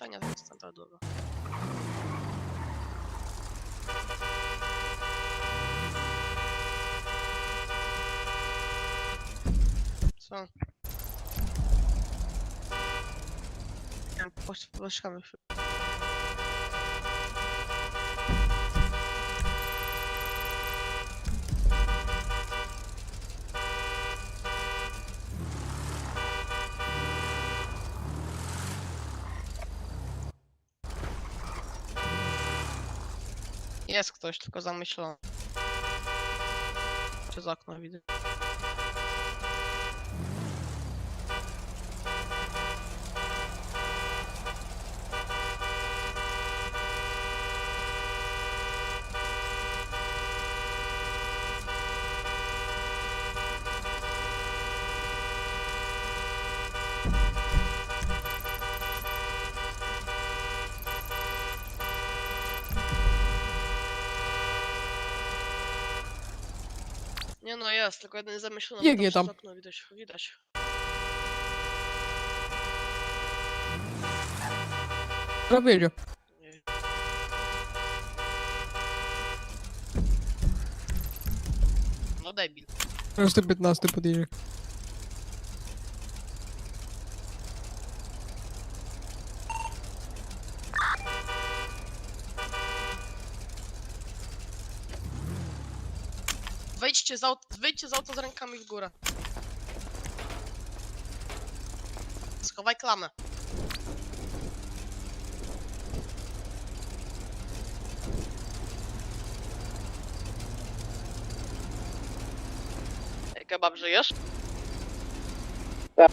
nie jest standardowa. Co? Nie wiem, poszukamy się. Jest ktoś, tylko zamyślony. Przez okno widzę. Nie no jest, tylko jeden zamyślony. Biegnie przez tam. okno widać. Prawie jedzie. Nie. No debil. 115 podjedzie. Wyjdźcie z auta z rękami w górę. Schowaj klamę. Ej, kebab, żyjesz? Tak.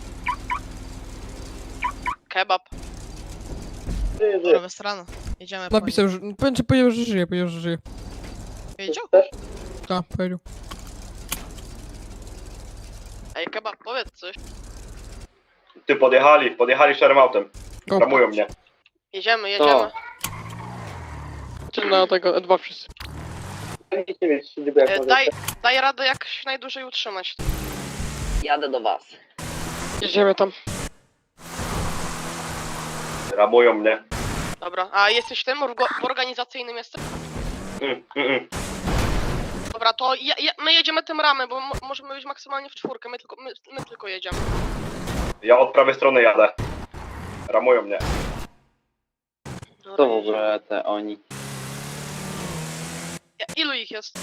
Kebab. Żyję. Dobra, strana. Jedziemy po Napisał, że... Powiedział, że żyje, powiedział, że żyje. nim. Wiedział? Też? Tak, powiedział. Ej, kebab, powiedz coś. Ty podjechali szarym autem. O, Ramują mnie. Jedziemy. czy na tego E2 wszyscy. Nic nie wiesz, niby jak możecie. Daj radę jak się najdłużej utrzymać. Jadę do was. Jedziemy tam. Ramują mnie. Dobra, a jesteś tym? W organizacyjnym jesteś? Dobra, to my jedziemy tym ramem, bo możemy być maksymalnie w czwórkę, my tylko jedziemy. Ja od prawej strony jadę. Ramują mnie. Dobra, To w ogóle te oni. Ilu ich jest?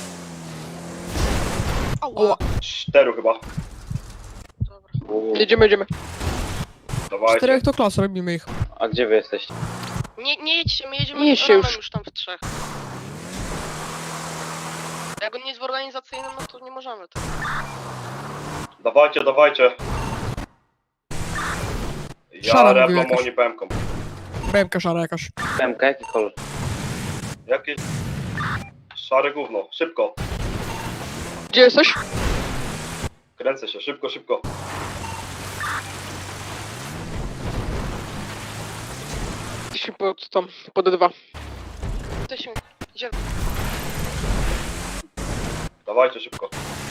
Ała. Ała. 4 chyba. Dobra. Jedziemy. Dawajcie. 4 to klasa, robimy ich. A gdzie wy jesteście? Nie jedźcie, my jedziemy Nie jedźcie ramem już. już tam w trzech. Jak on nie jest w organizacyjnym, no to nie możemy tak. Dawajcie. Szara Ja mówił rewną, jakaś. oni pemką. BMK szara jakaś. PMK, jaki kolor? Jakieś... Szare gówno. Szybko. Gdzie jesteś? Kręcę się. Szybko. Jesteśmy pod E2. Jesteśmy, idziemy. Dawajcie szybko.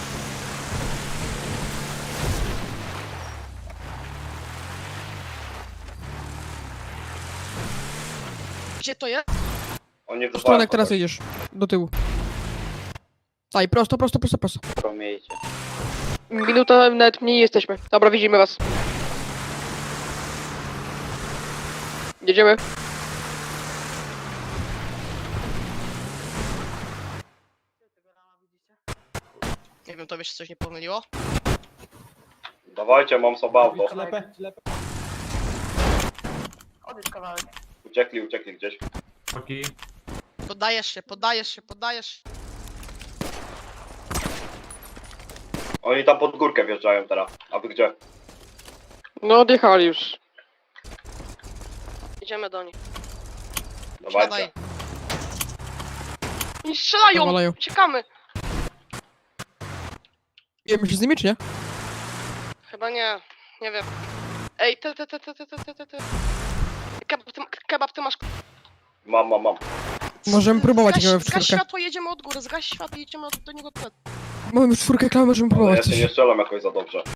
Gdzie to jest? Oni W stronę, wyzwają teraz kogoś. jedziesz. Do tyłu. Daj, prosto. Promiejcie. Minuta, nawet mniej jesteśmy. Dobra, widzimy was. Jedziemy. Nie wiem, tobie się coś nie pomyliło? Dawajcie, mam sobie auto. Odejdź kawałek. Uciekli gdzieś. Podajesz się. Oni tam pod górkę wjeżdżają teraz. A wy gdzie? No, odjechali już. Idziemy do nich. Dawajcie. Siadaj. Oni strzelają! Nawalają. Uciekamy! Wiemy się z nimi, czy nie? Chyba nie wiem. Ej, ty. Kebab, ty masz... Mam. Możemy próbować Zgaś, gramy w zgaś czwórkę. światło, jedziemy od góry, zgaś światło, jedziemy do niego. Mamy w czwórkę, możemy Ale ja próbować się coś. nie strzelam jakoś za dobrze.